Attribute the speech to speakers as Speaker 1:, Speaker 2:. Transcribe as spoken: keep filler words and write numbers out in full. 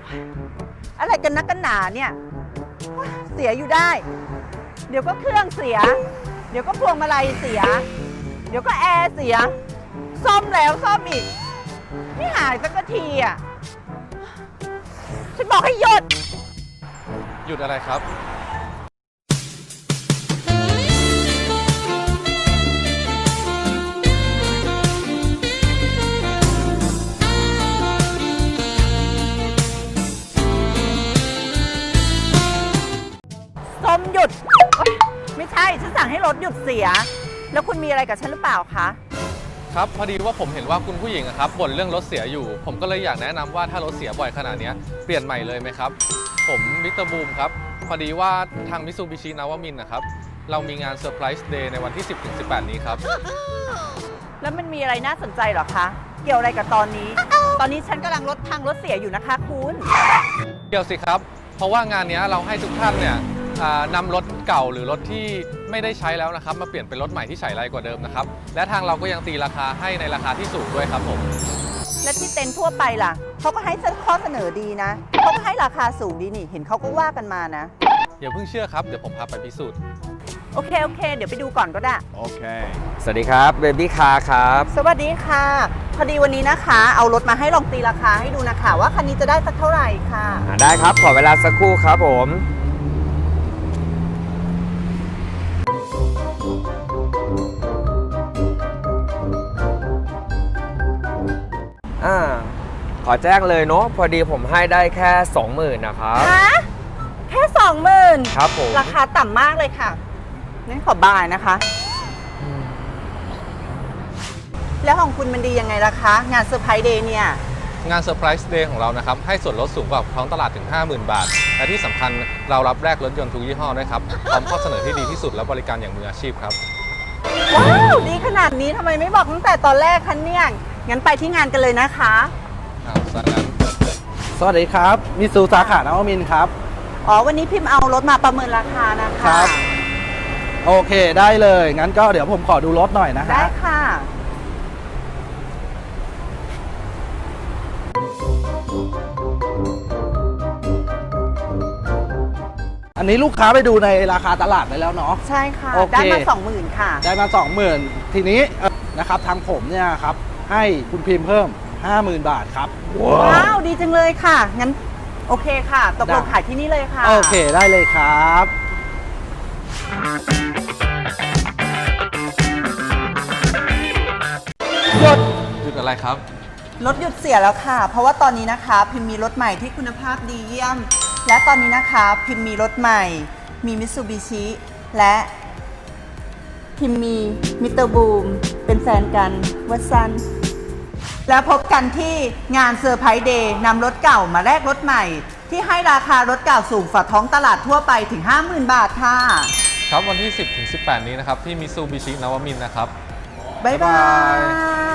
Speaker 1: อะไรกันนักกันหนาเนี่ยเสียอยู่ได้ เดี๋ยวก็เครื่องเสีย เดี๋ยวก็พวงมาลัยเสีย เดี๋ยวก็แอร์เสีย ซ่อมแล้วซ่อมอีกไม่หายสักทีอ่ะฉันบอกให้หยุด
Speaker 2: หยุดอะไรครับ
Speaker 1: ส้มหยุดไม่ใช่ฉันสั่งให้รถหยุดเสียแล้วคุณมีอะไรกับฉันหรือเปล่าคะ
Speaker 2: ครับพอดีว่าผมเห็นว่าคุณผู้หญิงครับบ่นเรื่องรถเสียอยู่ผมก็เลยอยากแนะนำว่าถ้ารถเสียบ่อยขนาดนี้เปลี่ยนใหม่เลยไหมครับผมมิสเตอร์บูมครับพอดีว่าทางมิตซูบิชินาวามินนะครับเรามีงานเซอร์ไพรส์เดย์ในวันที่ สิบถึงสิบแปด นี้ครับ
Speaker 1: แล้วมันมีอะไรน่าสนใจหรอคะเกี่ยวอะไรกับตอนนี้ ตอนนี้ฉันกำลังรถพังรถเสียอยู่นะคะคุณ
Speaker 2: เกี่ยวสิครับเพราะว่างานนี้เราให้ทุกท่านเนี่ยนำรถเก่าหรือรถที่ไม่ได้ใช้แล้วนะครับมาเปลี่ยนเป็นรถใหม่ที่ใช้ไรกว่าเดิมนะครับและทางเราก็ยังตีราคาให้ในราคาที่สูงด้วยครับผม
Speaker 1: และที่เต็นท์ทั่วไปล่ะเขาก็ให้ข้อเสนอดีนะเขาก็ให้ราคาสูงดีนี่เห็นเขาก็ว่ากันมานะ
Speaker 2: อย่าเพิ่งเชื่อครับเดี๋ยวผมพาไปพิสูจน์
Speaker 1: โอเคโอเคเดี๋ยวไปดูก่อนก็ได้
Speaker 3: โอเค
Speaker 4: สวัสดีครับเบบี้คาร์ครับ
Speaker 1: สวัสดีค่ะพอดีวันนี้นะคะเอารถมาให้ลองตีราคาให้ดูนะคะว่าคันนี้จะได้สักเท่าไหร่ค่ะ
Speaker 4: ได้ครับขอเวลาสักครู่ครับผมอ่าขอแจ้งเลยเนาะพอดีผมให้ได้แค่ สองหมื่น นะครับ
Speaker 1: ฮะแค่สองหมื่น
Speaker 4: ครับผม
Speaker 1: ราคาต่ำมากเลยค่ะงั้นขอบายนะคะแล้วของคุณมันดียังไงล่ะคะงานเซอร์ไพรส์เดย์เนี่ย
Speaker 2: งานเซอร์ไพรส์เดย์ของเรานะครับให้ส่วนลดสูงกว่าท้องตลาดถึง ห้าหมื่น บาทและที่สำคัญเรารับแลกรถยนต์ทุกยี่ห้อด้วยครับพร้อมข้อเสนอที่ดีที่สุดและบริการอย่างมืออาชีพครับ
Speaker 1: ว้าวดีขนาดนี้ทำไมไม่บอกตั้งแต่ตอนแรกคะเนี่ยงั้นไปที่งานกันเลยนะคะ
Speaker 2: ครับสวัสดี
Speaker 3: สวัสดีครับมิซูสาขานวมินทร์ครับ
Speaker 1: อ๋อวันนี้พิมพ์เอารถมาประเมินราคานะคะ
Speaker 3: ครับโอเคได้เลยงั้นก็เดี๋ยวผมขอดูรถหน่อยนะฮะ
Speaker 1: ได้ค่ะ
Speaker 3: อันนี้ลูกค้าไปดูในราคาตลาดไปแล้วเนาะ
Speaker 1: ใช่ค่ะได้มาสองหมื่นค่ะ
Speaker 3: ได้มาสองหมื่นทีนี้นะครับทางผมเนี่ยครับให้คุณพิมพ์เพิ่ม ห้าหมื่น บาทครับ
Speaker 1: ว้าวดีจังเลยค่ะงั้นโอเคค่ะตกลงขายที่นี่เลยค่ะ
Speaker 3: โอเคได้เลยครับ
Speaker 2: หยุดหยุดอะไรครับ
Speaker 1: รถหยุดเสียแล้วค่ะเพราะว่าตอนนี้นะคะพิมมีรถใหม่ที่คุณภาพดีเยี่ยมและตอนนี้นะคะพิมมีรถใหม่มีมิตซูบิชิและพิมมีมิสเตอร์บูมเป็นแฟนกันวัสันแล้วพบกันที่งานเซอร์ไพรส์เดย์นำรถเก่ามาแลกรถใหม่ที่ให้ราคารถเก่าสูงกว่าท้องตลาดทั่วไปถึง ห้าหมื่น บาทค่ะ
Speaker 2: ครับวันที่ สิบถึงสิบแปด นี้นะครับที่มิตซูบิชินาวามินนะครับ
Speaker 1: บ๊ายบาย